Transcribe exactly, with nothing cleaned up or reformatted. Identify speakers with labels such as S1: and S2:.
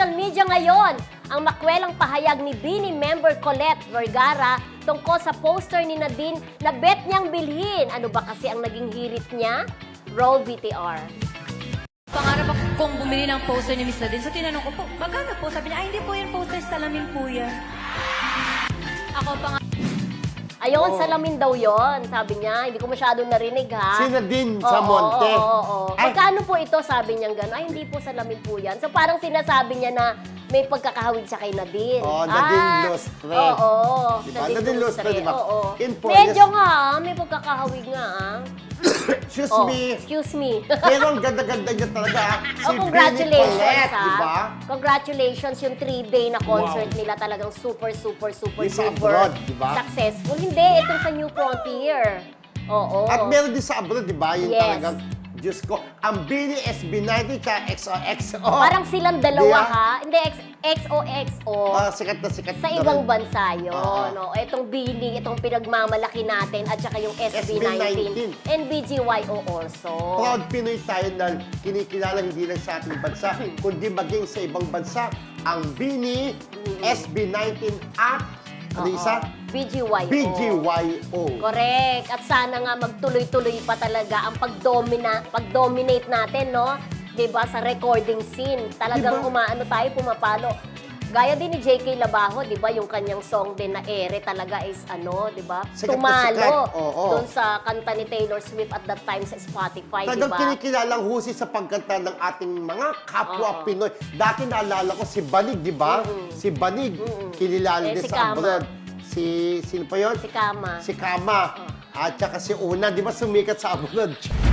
S1: social media ngayon ang makwelang pahayag ni Bini member Colette Vergara tungkol sa poster ni Nadine na bet niyang bilhin. Ano ba kasi ang naging hirit niya? Roll V T R.
S2: Pangarap ako kung bumili ng poster ni Miss Nadine. So tinanong ko po, magkano po? Sabi niya, ay hindi po yan poster, salamin po yan. Ako pa nga.
S1: Ayun,
S3: Oo.
S1: salamin daw yon, sabi niya. Hindi ko masyado narinig, ha?
S3: Si Nadine
S1: Oo,
S3: sa Monte.
S1: Oo, oo, oo.
S3: Ay.
S1: Magkano po ito, sabi niya gano'n? Ay, hindi po salamin po yan. So, parang sinasabi niya na may pagkakahawig siya kay Nadine.
S3: Oo, Nadine
S1: Ah,
S3: Lustre.
S1: Oo,
S3: Diba? Nadine Lustre, diba?
S1: Oo.
S3: In fairness-
S1: Medyo nga, ah, may pagkakahawig nga, ah.
S3: Excuse
S1: Oh,
S3: me.
S1: excuse me.
S3: Pero ang ganda-ganda niya talaga. ah. Si
S1: Oh, congratulations,
S3: Bini Colette,
S1: ha?
S3: diba?
S1: Congratulations, yung three-day na concert nila talagang super, super, super,
S3: Yung sa
S1: super
S3: abroad, diba?
S1: successful. Hindi, itong sa New Frontier. Oo.
S3: At meron din sa abroad, di ba? Yung
S1: Yes.
S3: talagang, Diyos ko, ang Bini S B ninety ka X O X O.
S1: Parang silang dalawa,
S3: Di
S1: ha? Hindi, X O X O.
S3: Ah, sikat na sikat
S1: Sa
S3: na
S1: ibang
S3: rin.
S1: bansa yun.
S3: Oo.
S1: No? Itong Bini, itong pinagmamalaki natin, at saka yung S B
S3: S B
S1: nineteen.
S3: nineteen.
S1: And B G Y O also.
S3: Proud Pinoy tayo na kinikilala hindi lang sa ating bansa, kundi maging sa ibang bansa. Ang Bini, S B nineteen at ano
S1: Oo.
S3: isa?
S1: B G Y O.
S3: B G Y O.
S1: Correct. At sana nga magtuloy-tuloy pa talaga ang pag-domina, pag-dominate natin, no? 'Di ba sa recording scene. Talagang
S3: Diba?
S1: umaano tayo, pumapalo. Gaya din ni J K Labajo, 'di ba, yung kanyang song din na ere talaga is ano, 'di ba?
S3: Sikat na
S1: Tumalo
S3: sikat. Oo.
S1: doon sa kanta ni Taylor Swift at that time sa Spotify, 'di
S3: Talagang
S1: ba?
S3: kinikilalang husay sa pagkanta ng ating mga kapwa
S1: Oo.
S3: Pinoy. Dati naalala ko si Banig, di ba? Si Banig, kilala
S1: Eh,
S3: din
S1: si
S3: sa
S1: Kama.
S3: abroad. Si, sino pa yun?
S1: Si Kama.
S3: Si Kama. At saka si Una, di ba sumikat sa abroad?